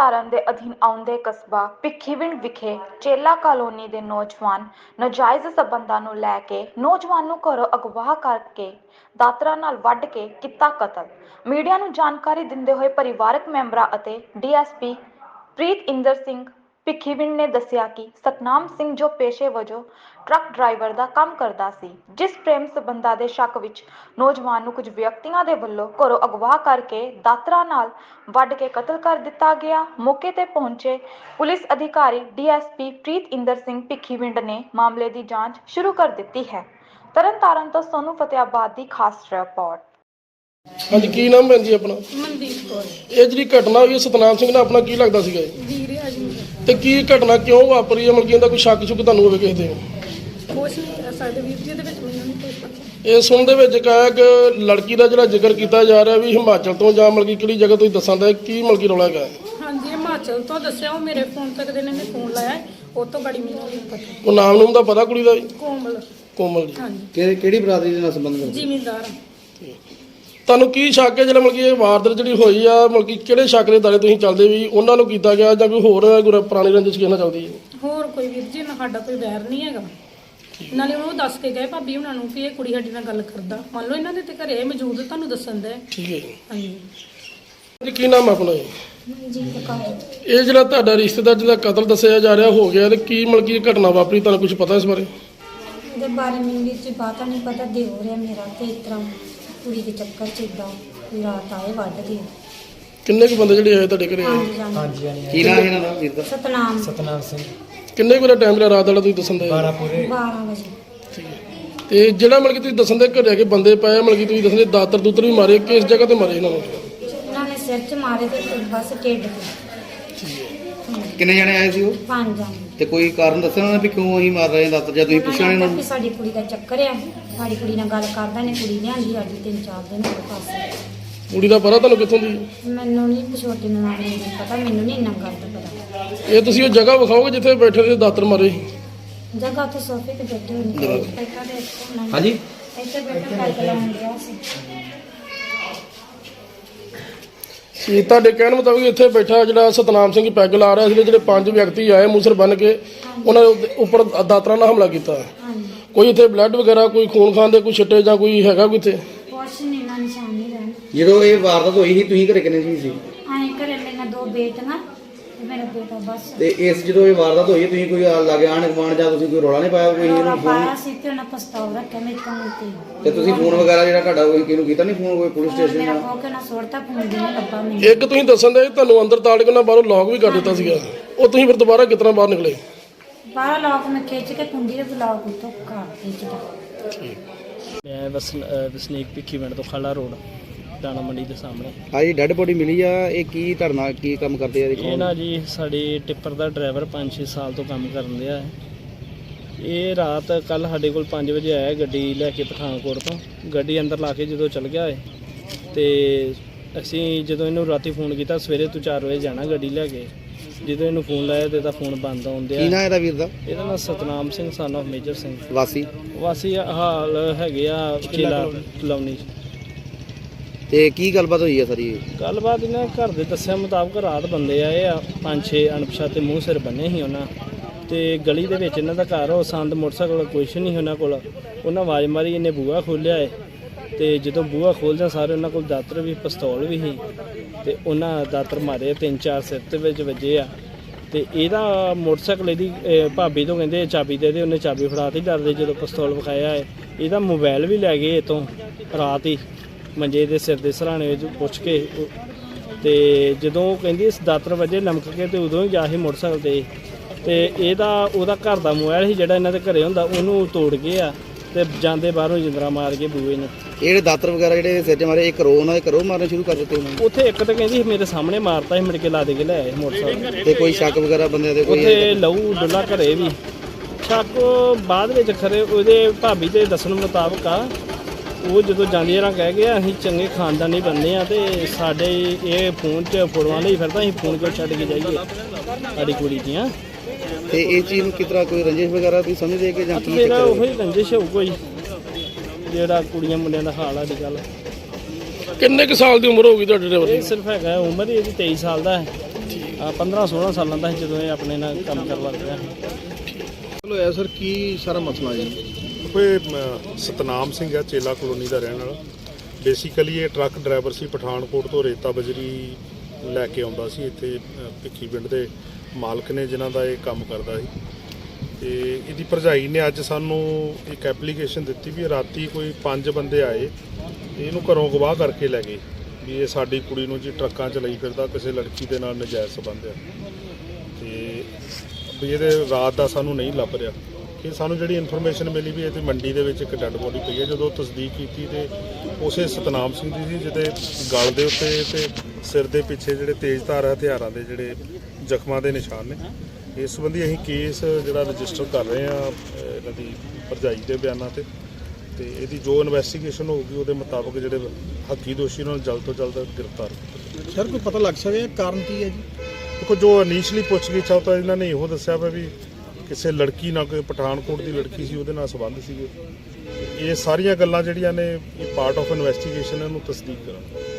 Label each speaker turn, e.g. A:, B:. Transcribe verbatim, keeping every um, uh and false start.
A: ਤਰਨਤਾਰਨ ਦੇ ਅਧੀਨ ਆਉਂਦੇ ਕਸਬਾ ਭਿੱਖੀਵਿੰਡ ਵਿਖੇ ਚੇਲਾ ਕਾਲੋਨੀ ਦੇ ਨੌਜਵਾਨ ਨਾਜਾਇਜ਼ ਸਬੰਧਾਂ ਨੂੰ ਲੈ ਕੇ ਨੌਜਵਾਨ ਨੂੰ ਘਰੋਂ ਅਗਵਾ ਕਰਕੇ ਦਾਤਰਾ ਨਾਲ ਵੱਢ ਕੇ ਕੀਤਾ ਕਤਲ। ਮੀਡੀਆ ਨੂੰ ਜਾਣਕਾਰੀ ਦਿੰਦੇ ਹੋਏ ਪਰਿਵਾਰਕ ਮੈਂਬਰਾਂ ਅਤੇ D S P Preetinder Singh Bhikhiwind ਨੇ ਦੱਸਿਆ ਕਿ ਸਤਨਾਮ ਸਿੰਘ ਜੋ ਪੇਸ਼ੇ ਵਜੋਂ ਟਰੱਕ ਡਰਾਈਵਰ ਦਾ ਕੰਮ ਕਰਦਾ ਸੀ, ਜਿਸ ਪ੍ਰੇਮ ਸਬੰਧਾਂ ਦੇ ਸ਼ੱਕ ਵਿੱਚ ਨੌਜਵਾਨ ਨੂੰ ਕੁਝ ਵਿਅਕਤੀਆਂ ਦੇ ਵੱਲੋਂ ਘਰੋਂ ਅਗਵਾ ਕਰਕੇ ਦਾਤਰਾ ਨਾਲ ਵੱਢ ਕੇ ਕਤਲ ਕਰ ਦਿੱਤਾ ਗਿਆ। ਮੌਕੇ ਤੇ ਪਹੁੰਚੇ ਪੁਲਿਸ ਅਧਿਕਾਰੀ D S P Preetinder Singh Bhikhiwind ਨੇ ਮਾਮਲੇ ਦੀ ਜਾਂਚ ਸ਼ੁਰੂ ਕਰ ਦਿੱਤੀ ਹੈ। ਤਰਨਤਾਰਨ ਤੋਂ ਸੋਨੂ ਫਤਿਆਬਾਦ ਦੀ ਖਾਸ ਰਿਪੋਰਟ।
B: ਹਾਂਜੀ, ਕੀ ਨਾਮ ਹੈ ਜੀ ਆਪਣਾ?
C: ਮਨਦੀਪ ਕੌਰ।
B: ਇਹ ਜਿਹੜੀ ਘਟਨਾ ਹੋਈ ਸਤਨਾਮ ਸਿੰਘ ਨਾਲ ਆਪਣਾ ਕੀ ਲੱਗਦਾ ਸੀਗਾ ਜੀ?
C: ਵੀਰੇ ਆ ਜੀ
B: ਤੇ ਕੀ ਘਟਨਾ ਕਿਉਂ ਵਾਪਰੀ ਹੈ? ਮਤਲਬ ਕਿ ਇਹਦਾ ਕੋਈ ਸ਼ੱਕ ਸ਼ੁਕ ਤੁਹਾਨੂੰ ਹੋਵੇ ਕਿਸੇ ਤੇ?
C: ਕੁਛ ਨਹੀਂ ਕਹਿ ਸਕਦੇ ਵੀਰ ਜੀ, ਇਹਦੇ ਵਿੱਚ ਮੈਨੂੰ ਨਹੀਂ ਕੁਛ ਪਤਾ।
B: ਇਹ ਸੁਣ ਦੇ ਵਿੱਚ ਕਹਾ ਕਿ ਲੜਕੀ ਦਾ ਜਿਹੜਾ ਜ਼ਿਕਰ ਕੀਤਾ ਜਾ ਰਿਹਾ ਵੀ ਹਿਮਾਚਲ ਤੋਂ ਜਾਂ ਮਤਲਬ ਕਿ ਕਿਹੜੀ ਜਗ੍ਹਾ ਤੋਂ ਦੱਸਾਂ ਦਾ ਕੀ ਮਤਲਬ ਕਿ ਰੌਲਾ ਹੈਗਾ?
C: ਹਾਂਜੀ, ਹਿਮਾਚਲ ਤੋਂ ਦੱਸਿਆ, ਉਹ ਮੇਰੇ ਫੋਨ ਤੱਕ ਦੇ ਨੇ ਫੋਨ ਲਾਇਆ, ਉਹ ਤੋਂ ਬੜੀ ਮੈਨੂੰ ਨਹੀਂ ਪਤਾ।
B: ਉਹ ਨਾਮ ਨੂਮ ਦਾ ਪਤਾ ਕੁੜੀ ਦਾ ਜੀ?
C: ਕੋਮਲ।
B: ਕੋਮਲ ਜੀ।
C: ਹਾਂਜੀ।
D: ਕਿਹੜੀ ਕਿਹੜੀ ਬਰਾਦਰੀ ਦੇ ਨਾਲ ਸੰਬੰਧ ਰੱਖਦੇ?
C: ਜ਼ਿਮੀਂਦਾਰ।
B: ਤੁਹਾਨੂੰ ਕੀ ਸ਼ੱਕ ਹੈ ਜਿਹੜਾ ਮਤਲਬ ਕਿ ਇਹ ਵਾਰਦਾਤ ਜਿਹੜੀ ਹੋਈ ਆ, ਮਤਲਬ ਕਿ ਕਿਹੜੇ ਸ਼ੱਕ ਦੇ ਦਾਇਰੇ ਤੁਸੀਂ ਚੱਲਦੇ ਵੀ ਉਹਨਾਂ ਨੂੰ ਕੀਤਾ ਗਿਆ ਜਾਂ ਕੋਈ ਹੋਰ ਕੋਈ ਪੁਰਾਣੀ ਰੰਜਿਸ਼ ਕਿਹਨਾਂ ਚੱਲਦੀ ਹੈ?
C: ਹੋਰ ਕੋਈ ਵੀਰ ਜੀ ਨਾ, ਸਾਡਾ ਕੋਈ ਵੈਰ ਨਹੀਂ ਹੈਗਾ। ਨਾਲੇ ਉਹ ਦੱਸ ਕੇ ਗਏ ਭਾਬੀ ਉਹਨਾਂ ਨੂੰ ਕਿ ਇਹ ਕੁੜੀ ਸਾਡੀ ਨਾਲ ਗੱਲ ਕਰਦਾ। ਮੰਨ ਲਓ ਇਹਨਾਂ ਦੇ ਤੇ ਘਰੇ ਮੌਜੂਦ, ਤੁਹਾਨੂੰ ਦੱਸਣ ਦੇ।
B: ਠੀਕ ਹੈ ਜੀ।
C: ਹਾਂਜੀ
B: ਜੀ, ਕੀ ਨਾਮ ਆਪਣਾ ਜੀ?
C: ਜੀ ਪਕਾ।
B: ਇਹ ਜਿਹੜਾ ਤੁਹਾਡਾ ਰਿਸ਼ਤੇਦਾਰ ਜਿਹਦਾ ਕਤਲ ਦੱਸਿਆ ਜਾ ਰਿਹਾ ਹੋ ਗਿਆ, ਤੇ ਕੀ ਮਤਲਬ ਕਿ ਇਹ ਘਟਨਾ ਵਾਪਰੀ, ਤੁਹਾਨੂੰ ਕੁਝ ਪਤਾ ਇਸ ਬਾਰੇ?
E: ਇਹਦੇ ਬਾਰੇ ਮੈਨੂੰ ਵਿੱਚ ਪਤਾ ਨਹੀਂ, ਪਤਾ ਦੇ ਹੋ ਰਿਹਾ ਮੇਰਾ ਤੇ ਇਸ ਤਰ੍ਹਾਂ ਕੁੜੀ ਦੇ ਚੱਕਰ 'ਚ ਇੱਦਾਂ ਵੀ ਰਾਤ ਆਏ ਵੱਢ ਗਏ।
B: ਕਿੰਨੇ ਕੁ ਬੰਦੇ ਜਿਹੜੇ ਆਏ ਤੁਹਾਡੇ ਘਰੇ?
E: ਹਾਂਜੀ ਹਾਂਜੀ।
D: ਕੀ ਨਾਮ ਹੈ ਇਹਨਾਂ ਦਾ ਵੀਰ ਦਾ?
E: ਸਤਨਾਮ।
F: ਸਤਨਾਮ ਸਿੰਘ।
B: ਕਿੰਨੇ ਕੁ ਦਾ ਟਾਈਮ ਜਿਹੜਾ ਰਾਤ ਵਾਲਾ ਤੁਸੀਂ ਦੱਸਣ ਦੇ?
F: ਬਾਰਾਂ ਪੂਰੇ।
E: ਬਾਰਾਂ ਵਜੇ।
B: ਠੀਕ ਹੈ। ਤੇ ਜਿਹੜਾ ਮਤਲਬ ਕਿ ਤੁਸੀਂ ਦੱਸਣ ਦੇ ਘਰੇ ਆ ਕੇ ਬੰਦੇ ਪਏ, ਮਤਲਬ ਕਿ ਤੁਸੀਂ ਦੱਸਣ ਦੇ ਦਾਤਰ ਦੂਤਰ ਵੀ ਮਾਰੇ, ਕਿਸ ਜਗ੍ਹਾ ਤੇ ਮਾਰੇ ਇਹਨਾਂ ਨੂੰ?
E: ਇਹਨਾਂ ਨੇ ਸਿਰ 'ਚ ਮਾਰੇ ਤੇ ਬਸ ਢਿੱਡ 'ਤੇ।
B: ਠੀਕ ਹੈ।
D: ਕਿੰਨੇ ਜਣੇ ਆਏ ਸੀ ਉਹ?
E: ਪੰਜ ਜਾਣੇ।
D: ਤੇ ਕੋਈ ਕਾਰਨ ਦੱਸਣਾ ਉਹਨਾਂ ਨੇ ਵੀ ਕਿਉਂ ਅਸੀਂ ਮਾਰ ਰਹੇ ਹਾਂ ਦਾਤਰ? ਜਾਂ ਤੁਸੀਂ ਪੁੱਛਿਆ ਨਹੀਂ
E: ਉਹਨਾਂ
D: ਉਹਨਾਂ
E: ਨੇ
D: ਨੂੰ?
E: ਸਾਡੀ ਕੁੜੀ ਦਾ ਚੱਕਰ ਆ, ਸਾਡੀ ਕੁੜੀ ਨਾਲ ਗੱਲ ਕਰਦਾ ਨੇ, ਕੁੜੀ ਲਿਆਂਦੀ ਸਾਡੀ ਤਿੰਨ ਚਾਰ ਦਿਨ ਹੋ ਪਾਸੇ।
B: ਕੁੜੀ ਦਾ ਪਤਾ ਤੁਹਾਨੂੰ ਕਿੱਥੋਂ ਦੀ?
E: ਮੈਨੂੰ ਨਹੀਂ ਛੋਟੀ ਨੂੰ ਨਾਮ ਨਹੀਂ ਪਤਾ, ਮੈਨੂੰ ਨਹੀਂ ਇੰਨਾ ਗੱਲ ਦਾ ਪਤਾ।
B: ਇਹ ਤੁਸੀਂ ਉਹ ਜਗ੍ਹਾ ਵਿਖਾਓਗੇ ਜਿੱਥੇ ਬੈਠੇ ਦੇ ਦਾਤਰ ਮਾਰੇ?
E: ਜਗ੍ਹਾ ਉੱਥੇ ਸੋਫੇ ਤੇ ਬੈਠੇ ਹੋਏ ਨੇ। ਇੱਥੇ ਦੇ
D: ਹਾਂਜੀ।
E: ਇੱਥੇ ਬੈਠੇ ਪੈਗ ਲਾਉਣ ਗਿਆ ਸੀ।
B: ਸੀ ਤੁਹਾਡੇ ਕਹਿਣ ਮੁਤਾਬਿਕ ਇੱਥੇ ਬੈਠਾ ਜਿਹੜਾ ਸਤਨਾਮ ਸਿੰਘ ਪੈਗ ਲਾ ਰਿਹਾ ਸੀ, ਜਿਹੜੇ ਪੰਜ ਵਿਅਕਤੀ ਆਏ ਮੂਸਰ ਬੰਨ ਕੇ ਉਹਨਾਂ ਦੇ ਉੱਪਰ ਦਾਤਰਾਂ ਨਾਲ ਹਮਲਾ ਕੀਤਾ।
E: ਹਾਂਜੀ।
B: ਕੋਈ ਇੱਥੇ ਬਲੱਡ ਵਗੈਰਾ, ਕੋਈ ਖੂਨ ਖਾਨ ਦੇ ਕੋਈ ਛਿੱਟੇ ਜਾਂ ਕੋਈ ਹੈਗਾ ਕੋਈ ਇੱਥੇ?
E: ਕੁਛ ਨਹੀਂ, ਨਾ ਨਿਸ਼ਾਨ ਨਹੀਂ ਰਹਿਣ।
D: ਜਦੋਂ ਇਹ ਵਾਰਦਾਤ ਹੋਈ ਸੀ ਤੁਸੀਂ ਘਰੇ ਕਿੰਨੇ ਸੀ ਸੀ?
E: ਆਏ ਘਰੇ ਮੇਰੇ ਦੋ ਬੇਟੀਆਂ ਤੇ ਮੇਰਾ ਬੇਟਾ ਬਸ।
D: ਤੇ ਇਸ ਜਦੋਂ ਇਹ ਵਾਰਦਾਤ ਹੋਈ ਤੁਸੀਂ ਕੋਈ ਲਾਗੇ ਆਣ ਗਵਾਣ ਜਾਂ ਤੁਸੀਂ ਕੋਈ ਰੌਲਾ ਨਹੀਂ ਪਾਇਆ ਕੋਈ
E: ਰੌਲਾ
D: ਇਹਨੂੰ
E: ਪਾਇਆ
D: ਫੋਨ?
E: ਸੀ ਤੇ ਉਹਨਾਂ ਪਛਤਾਵਾ ਰੱਖਿਆ ਮੇਰੇ ਕੋਲ ਤੇ।
D: ਤੇ ਤੁਸੀਂ ਫੋਨ ਵਗੈਰਾ ਜਿਹੜਾ ਤੁਹਾਡਾ ਕੋਈ ਕਿਹਨੂੰ ਕੀਤਾ ਨਹੀਂ ਫੋਨ, ਕੋਈ ਪੁਲਿਸ ਸਟੇਸ਼ਨ
E: ਮੇਰਾ
D: ਜਾਂ?
E: ਕੋਕੇ ਨਾਲ ਸੋੜਤਾ ਫੋਨ ਦੇ ਨਹੀਂ ਲੱਭਾ ਮੈਨੂੰ।
B: ਇੱਕ ਤੁਸੀਂ ਦੱਸਣ ਦੇ ਤੁਹਾਨੂੰ ਅੰਦਰ ਤਾੜ ਕੇ ਨਾ ਬਾਹਰੋਂ ਲੌਕ ਵੀ ਕਰ ਦਿੱਤਾ ਸੀਗਾ, ਉਹ ਤੁਸੀਂ ਫਿਰ ਦੁਬਾਰਾ ਕਿਤਨਾ ਬਾਹਰ ਨਿਕਲੇ?
E: ਬਾਹਰ ਲੋਕ ਮੈਂ ਖਿੱਚ ਕੇ ਕੁੰਡੀ ਦੇ ਬਲਾਕ ਉੱਤੋਂ ਘਰ ਖਿੱਚਦਾ।
F: ਮੈਂ ਵਸ ਵਸਨੀਕ ਭਿੱਖੀਵਿੰਡ ਤੋਂ ਖਾਲਾ ਰੋਡ ਦਾਣਾ ਮੰਡੀ ਦੇ ਸਾਹਮਣੇ।
D: ਹਾਂਜੀ, ਡੈੱਡ ਬੋਡੀ ਮਿਲੀ ਆ। ਇਹ ਕੀ ਧਰਨਾ ਕੀ ਕੰਮ ਕਰਦੇ ਆ?
F: ਇਹ ਨਾ ਜੀ ਸਾਡੀ ਟਿੱਪਰ ਦਾ ਡਰਾਈਵਰ ਪੰਜ ਛੇ ਸਾਲ ਤੋਂ ਕੰਮ ਕਰਨ ਰਿਹਾ ਹੈ। ਇਹ ਰਾਤ ਕੱਲ ਸਾਡੇ ਕੋਲ ਪੰਜ ਵਜੇ ਆਇਆ ਗੱਡੀ ਲੈ ਕੇ ਪਠਾਨਕੋਟ ਤੋਂ। ਗੱਡੀ ਅੰਦਰ ਲਾ ਕੇ ਜਦੋਂ ਚਲ ਗਿਆ ਹੈ ਤੇ ਅਸੀਂ ਜਦੋਂ ਇਹਨੂੰ ਰਾਤੀ ਫੋਨ ਕੀਤਾ ਸਵੇਰੇ ਤੂੰ ਚਾਰ ਵਜੇ ਜਾਣਾ ਗੱਡੀ ਲੈ ਕੇ, ਜਦੋਂ ਇਹਨੂੰ ਫੋਨ ਲਾਇਆ ਤੇ ਇਹਦਾ ਫੋਨ ਬੰਦ ਆਉਂਦਿਆ।
D: ਕੀ ਨਾਂ ਇਹਦਾ ਵੀਰ ਦਾ?
F: ਇਹਦਾ ਨਾਮ Satnam Singh son of Major Singh.
D: ਵਾਸੀ?
F: ਵਾਸੀ ਹਾਲ ਹੈਗੇ ਆ ਚੇਲਾ ਕਲੋਨੀ।
D: ਤੇ ਕੀ ਗੱਲਬਾਤ ਹੋਈ ਆ ਸਾਰੀ?
F: ਗੱਲਬਾਤ ਇਹਨਾਂ ਘਰ ਦੇ ਦੱਸਿਆ ਮੁਤਾਬਕ ਰਾਤ ਬੰਦੇ ਆਏ ਆ, ਪੰਜ ਛੇ ਅਣਪਛਾਤੇ ਮੂੰਹ ਸਿਰ ਬੰਨੇ ਸੀ ਉਹਨਾਂ, ਤੇ ਗਲੀ ਦੇ ਵਿੱਚ ਇਹਨਾਂ ਦਾ ਘਰ ਉਹ ਸੰਦ ਮੋਟਰਸਾਈਕਲ ਕੁਛ ਨਹੀਂ ਉਹਨਾਂ ਕੋਲ। ਉਹਨਾਂ ਆਵਾਜ਼ ਮਾਰੀ, ਇਹਨੇ ਬੂਹਾ ਖੋਲ੍ਹਿਆ ਹੈ ਤੇ ਜਦੋਂ ਬੂਹਾ ਖੋਲ੍ਹਦਿਆਂ ਸਾਰੇ ਉਹਨਾਂ ਕੋਲ ਦਾਤਰ ਵੀ ਪਿਸਤੌਲ ਵੀ ਸੀ ਤੇ ਉਹਨਾਂ ਦਾਤਰ ਮਾਰੇ, ਤਿੰਨ ਚਾਰ ਸਿਰ ਦੇ ਵਿੱਚ ਵੱਜੇ ਆ। ਤੇ ਇਹਦਾ ਮੋਟਰਸਾਈਕਲ ਇਹਦੀ ਭਾਬੀ ਤੋਂ ਕਹਿੰਦੇ ਚਾਬੀ ਦੇ ਦੇ, ਉਹਨੇ ਚਾਬੀ ਫੜਾਤੀ ਡਰਦੇ। ਜਦੋਂ ਪਿਸਤੌਲ ਵਿਖਾਇਆ ਹੈ ਇਹਦਾ ਮੋਬਾਈਲ ਵੀ ਲੈ ਗਏ ਇੱਥੋਂ ਰਾਤ ਹੀ ਮੰਜੇ ਦੇ ਸਿਰ ਦੇ ਸਰਾਣੇ ਵਿੱਚ ਪੁੱਛ ਕੇ। ਤੇ ਜਦੋਂ ਉਹ ਕਹਿੰਦੀ ਇਸ ਦਾਤਰ ਵਜੇ ਲਮਕ ਕੇ ਤੇ ਉਦੋਂ ਹੀ ਜਾ ਸੀ ਮੋਟਰਸਾਈਕਲ ਤੇ ਤੇ ਇਹਦਾ ਉਹਦਾ ਘਰ ਦਾ ਮੋਬਾਈਲ ਸੀ ਜਿਹੜਾ ਇਹਨਾਂ ਦੇ ਘਰੇ ਹੁੰਦਾ, ਉਹਨੂੰ ਤੋੜ ਗਏ ਆ ਤੇ ਜਾਂਦੇ ਬਾਹਰੋਂ ਜਿੰਦਰਾ ਮਾਰ ਕੇ ਬੂਏ ਨੂੰ।
D: ਇਹ ਜਿਹੜੇ ਦਾਤਰ ਵਗੈਰਾ ਜਿਹੜੇ ਸਿਰ 'ਚ ਮਾਰੇ, ਇਹ ਕਰੋ ਉਹਨਾਂ ਦੇ ਕਰੋ ਮਾਰਨੇ ਸ਼ੁਰੂ ਕਰ ਦਿੱਤੇ ਉਹਨਾਂ ਨੇ?
F: ਉੱਥੇ ਇੱਕ ਤਾਂ ਕਹਿੰਦੀ ਮੇਰੇ ਸਾਹਮਣੇ ਮਾਰਤਾ ਸੀ, ਮੁੜ ਕੇ ਲਾ ਦੇ ਕੇ ਲੈ ਆਏ ਮੋਟਰਸਾਈਕਲ।
D: ਤੇ ਕੋਈ ਸ਼ੱਕ ਵਗੈਰਾ ਬੰਦਿਆਂ ਦੇ ਕੋਈ?
F: ਉੱਥੇ ਲਹੂ ਡੁੱਲਾ ਘਰੇ ਵੀ ਸ਼ੱਕ ਬਾਅਦ ਵਿੱਚ ਖਰੇ ਉਹਦੇ ਭਾਬੀ ਦੇ ਦੱਸਣ ਮੁਤਾਬਕ ਆ। ਉਹ ਜਦੋਂ ਜਾਂਦੀ ਰਾਂ ਕਹਿ ਗਿਆ ਅਸੀਂ ਚੰਗੇ ਖਾਨਦਾਨੀ ਬੰਦੇ ਆ ਤੇ ਸਾਡੇ ਇਹ ਫੋਨ 'ਚ ਫੋਟੋਆਂ ਲਈ ਫਿਰਦਾ, ਅਸੀਂ ਫੋਨ ਕਿਉਂ ਛੱਡ ਕੇ ਜਾਈਏ ਸਾਡੀ ਕੁੜੀ ਦੀਆਂ।
D: ਤੇ ਇਹ ਚੀਜ਼ ਨੂੰ ਕਿਸ ਤਰ੍ਹਾਂ ਕੋਈ ਰੰਜਿਸ਼ ਵਗੈਰਾ ਤੁਸੀਂ ਸਮਝਦੇ ਕਿ ਜਾਂ ਕੀ
F: ਮੇਰਾ
D: ਚੱਕਰ
F: ਉਹੀ ਰੰਜਿਸ਼ ਹੋਊ ਕੋਈ, ਜਿਹੜਾ ਕੁੜੀਆਂ ਮੁੰਡਿਆਂ ਦਾ ਹਾਲ ਆ ਅੱਜ ਕੱਲ੍ਹ।
B: ਕਿੰਨੇ ਕੁ ਸਾਲ ਦੀ ਉਮਰ ਹੋ ਗਈ ਤੁਹਾਡੇ ਡਰਾਈਵਰ ਦੀ?
F: ਇਹ ਸਿਰਫ ਹੈਗਾ ਉਮਰ ਹੀ ਇਹਦੀ ਤੇਈ ਸਾਲ ਦਾ ਹੈ। ਪੰਦਰਾਂ ਸੋਲਾਂ ਸਾਲਾਂ ਦਾ ਸੀ ਜਦੋਂ ਇਹ ਆਪਣੇ ਨਾਲ ਕੰਮ ਕਰਨ ਲੱਗ ਪਿਆ।
G: ਚਲੋ ਐ ਸਰ ਕੀ ਸਾਰਾ ਮਸਲਾ ਜੀ?
H: ਕੋਈ ਅਮ, ਸਤਨਾਮ ਸਿੰਘ ਆ, ਚੇਲਾ ਕਲੋਨੀ ਦਾ ਰਹਿਣ ਵਾਲਾ। ਬੇਸਿਕਲੀ ਇਹ ਟਰੱਕ ਡਰਾਈਵਰ ਸੀ, ਪਠਾਨਕੋਟ ਤੋਂ ਰੇਤਾ ਬਜਰੀ ਲੈ ਕੇ ਆਉਂਦਾ ਸੀ। ਇੱਥੇ ਅ, ਭਿੱਖੀ ਪਿੰਡ ਦੇ ਮਾਲਕ ਨੇ ਜਿਨ੍ਹਾਂ ਦਾ ਇਹ ਕੰਮ ਕਰਦਾ ਸੀ, ਤੇ ਇਹਦੀ ਭਰਜਾਈ ਨੇ ਅੱਜ ਸਾਨੂੰ ਇੱਕ ਐਪਲੀਕੇਸ਼ਨ ਦਿੱਤੀ ਵੀ ਰਾਤੀ ਕੋਈ ਪੰਜ ਬੰਦੇ ਆਏ ਤੇ ਇਹਨੂੰ ਘਰੋਂ ਅਗਵਾ ਕਰਕੇ ਲੈ ਗਏ ਵੀ ਇਹ ਸਾਡੀ ਕੁੜੀ ਨੂੰ ਜੀ ਟਰੱਕਾਂ 'ਚ ਲਈ ਫਿਰਦਾ, ਕਿਸੇ ਲੜਕੀ ਦੇ ਨਾਲ ਨਜਾਇਜ਼ ਸੰਬੰਧ ਆ, ਤੇ ਵੀ ਇਹਦੇ ਰਾਤ ਦਾ ਸਾਨੂੰ ਨਹੀਂ ਲੱਭ ਰਿਹਾ। ਕਿ ਸਾਨੂੰ ਜਿਹੜੀ ਇਨਫੋਰਮੇਸ਼ਨ ਮਿਲੀ ਵੀ ਇਹਦੀ ਮੰਡੀ ਦੇ ਵਿੱਚ ਇੱਕ ਡੈੱਡ ਬੋਡੀ ਪਈ ਹੈ। ਜਦੋਂ ਤਸਦੀਕ ਕੀਤੀ ਤੇ ਉਸੇ ਸਤਨਾਮ ਸਿੰਘ ਦੀ ਸੀ ਜਿਹਦੇ ਗਲ ਦੇ ਉੱਤੇ ਤੇ ਸਿਰ ਦੇ ਪਿੱਛੇ ਜਿਹੜੇ ਤੇਜ਼ਧਾਰ ਹਥਿਆਰਾਂ ਦੇ ਜਿਹੜੇ ਜ਼ਖਮਾਂ ਦੇ ਨਿਸ਼ਾਨ ਨੇ। ਇਸ ਸੰਬੰਧੀ ਅਸੀਂ ਕੇਸ ਜਿਹੜਾ ਰਜਿਸਟਰ ਕਰ ਰਹੇ ਹਾਂ ਇਹਨਾਂ ਦੀ ਭਰਜਾਈ ਦੇ ਬਿਆਨਾਂ ਤੇ ਤੇ ਇਹਦੀ ਜੋ ਇਨਵੈਸਟੀਗੇਸ਼ਨ ਹੋਊਗੀ ਉਹਦੇ ਮੁਤਾਬਕ ਜਿਹੜੇ ਹੱਕੀ ਦੋਸ਼ੀ ਉਹਨਾਂ ਨੂੰ ਜਲਦ ਤੋਂ ਜਲਦ ਗ੍ਰਿਫਤਾਰ ਕੀਤਾ।
G: ਸਰ ਕੋਈ ਪਤਾ ਲੱਗ ਸਕਿਆ ਕਾਰਨ ਕੀ ਹੈ ਜੀ?
H: ਦੇਖੋ ਜੋ ਇਨੀਸ਼ੀਅਲੀ ਪੁੱਛਗਿੱਛ ਆ ਤਾਂ ਇਹਨਾਂ ਨੇ ਇਹੋ ਦੱਸਿਆ ਵਾ ਵੀ ਕਿਸੇ ਲੜਕੀ ਨਾਲ, ਕੋਈ ਪਠਾਨਕੋਟ ਦੀ ਲੜਕੀ ਸੀ, ਉਹਦੇ ਨਾਲ ਸੰਬੰਧ ਸੀਗੇ। ਇਹ ਸਾਰੀਆਂ ਗੱਲਾਂ ਜਿਹੜੀਆਂ ਨੇ ਇਹ ਪਾਰਟ ਆਫ ਇਨਵੈਸਟੀਗੇਸ਼ਨ ਇਹਨੂੰ ਤਸਦੀਕ ਕਰਾਂਗੇ।